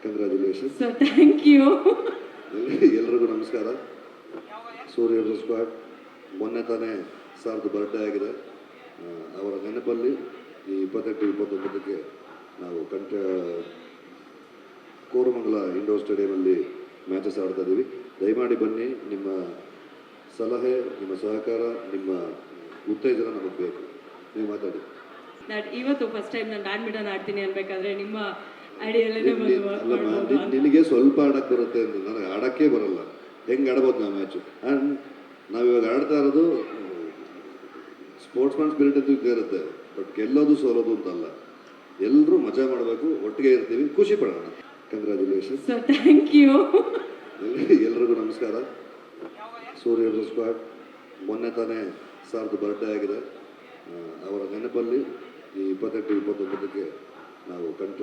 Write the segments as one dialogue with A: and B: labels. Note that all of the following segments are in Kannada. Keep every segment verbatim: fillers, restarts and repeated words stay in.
A: Congratulation
B: sir, thank you.
A: ಎಲ್ರಿಗೂ ನಮಸ್ಕಾರ. ಸೂರ್ಯ ಸ್ಕ್ವಾಡ್ ಮೊನ್ನೆ ತಾನೇ ಸಾರ್ದು ಬರ್ಡೇ ಆಗಿದೆ. ಆ, ಅವರ ನೆನಪಲ್ಲಿ ಈ ಇಪ್ಪತ್ತೆಂಟು ಇಪ್ಪತ್ತೊಂಬತ್ತಕ್ಕೆ ನಾವು ಕಂಠ ಕೋರಮಂಗಲ ಇಂಡೋರ್ ಸ್ಟೇಡಿಯಮಲ್ಲಿ ಮ್ಯಾಚಸ್ ಆಡ್ತಾ ಇದ್ದೀವಿ. ದಯಮಾಡಿ ಬನ್ನಿ. ನಿಮ್ಮ ಸಲಹೆ, ನಿಮ್ಮ ಸಹಕಾರ, ನಿಮ್ಮ ಉತ್ತೇಜನ ನಮಗೆ ಬೇಕು. ನೀವು ಮಾತಾಡಿ.
B: ನಾನು ಇವತ್ತು ಫಸ್ಟ್ ಟೈಮ್ ನಾನು ಬ್ಯಾಡ್ಮಿಂಟನ್ ಆಡ್ತೀನಿ ಅನ್ಬೇಕಾದ್ರೆ ನಿಮ್ಮ ಐಡಿಯಲ್ಲೇ ಬಂದು
A: ಅಲ್ಲಮ್ಮ,
B: ಮಾಡ್ಬೋದು ಅಂತ.
A: ನಿನಗೆ ಸ್ವಲ್ಪ ಆಡಕ್ಕೆ ಬರುತ್ತೆ ಅಂತ, ನನಗೆ ಆಡೋಕ್ಕೆ ಬರಲ್ಲ. ಹೆಂಗೆ ಆಡ್ಬೋದು ನಾವು ಮ್ಯಾಚು? ಆ್ಯಂಡ್ ನಾವಿವಾಗ ಆಡ್ತಾ ಇರೋದು ಸ್ಪೋರ್ಟ್ಸ್ ಮ್ಯಾನ್ ಸ್ಪಿರಿಟ್ ಅಂತೂ ಇದ್ದೇ ಇರುತ್ತೆ. ಬಟ್ ಗೆಲ್ಲೋದು ಸೋಲೋದು ಅಂತಲ್ಲ. ಎಲ್ಲರೂ ಮಜಾ ಮಾಡಬೇಕು, ಒಟ್ಟಿಗೆ ಇರ್ತೀವಿ, ಖುಷಿ ಪಡೋಣ. ಕಂಗ್ರ್ಯಾಚುಲೇಷನ್.
B: Sir, thank you.
A: ಎಲ್ರಿಗೂ ನಮಸ್ಕಾರ. ಸೂರ್ಯ ಸ್ಕ್ವಾಡ್ ಮೊನ್ನೆ ತಾನೇ ಸಾರ್ದು ಬರ್ಡೇ ಆಗಿದೆ. ಆ, ಅವರ ನೆನಪಲ್ಲಿ ಈ ಇಪ್ಪತ್ತೆಂಟು ಇಪ್ಪತ್ತೊಂಬತ್ತಕ್ಕೆ ನಾವು ಕಂಠ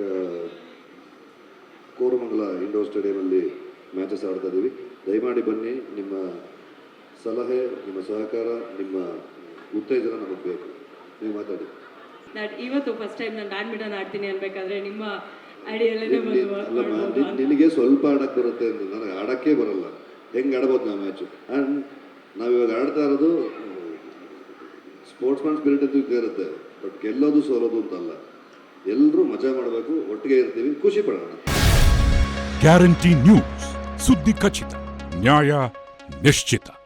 A: ಕೋರಮಂಗಲ ಇಂಡೋರ್ ಸ್ಟೇಡಿಯಮಲ್ಲಿ ಮ್ಯಾಚಸ್ ಆಡ್ತಾ ಇದ್ದೀವಿ. ದಯಮಾಡಿ ಬನ್ನಿ. ನಿಮ್ಮ ಸಲಹೆ, ನಿಮ್ಮ ಸಹಕಾರ, ನಿಮ್ಮ ಉತ್ತೇಜನ ನಮಗೆ ಬೇಕು. ನೀವು ಮಾತಾಡಿ.
B: ನಾನು ಇವತ್ತು ಫಸ್ಟ್ ಟೈಮ್ ನಾನು ಬ್ಯಾಡ್ಮಿಂಟನ್ ಆಡ್ತೀನಿ ಅನ್ಬೇಕಾದ್ರೆ ನಿಮ್ಮ ಐಡಿಯಲ್ಲೇ ಬಂದು
A: ಅಲ್ಲಮ್ಮ,
B: ಮಾಡ್ಬೋದು ಅಂತ.
A: ನಿನಗೆ ಸ್ವಲ್ಪ ಆಡಕ್ಕೆ ಬರುತ್ತೆ ಅಂತ, ನನಗೆ ಆಡೋಕ್ಕೆ ಬರಲ್ಲ. ಹೆಂಗೆ ಆಡ್ಬೋದು ನಾವು ಮ್ಯಾಚು? ಆ್ಯಂಡ್ ನಾವಿವಾಗ ಆಡ್ತಾ ಇರೋದು ಸ್ಪೋರ್ಟ್ಸ್ ಮ್ಯಾನ್ ಸ್ಪಿರಿಟ್ ಅಂತೂ ಇದ್ದೇ ಇರುತ್ತೆ. ಬಟ್ ಗೆಲ್ಲೋದು ಸೋಲೋದು ಅಂತಲ್ಲ. ಎಲ್ಲರೂ ಮಜಾ ಮಾಡಬೇಕು, ಒಟ್ಟಿಗೆ ಇರ್ತೀವಿ, ಖುಷಿ ಪಡೋಣ.
C: ಗ್ಯಾರಂಟಿ ನ್ಯೂಸ್, ಸುದ್ದಿ ಖಚಿತ, ನ್ಯಾಯ ನಿಶ್ಚಿತ.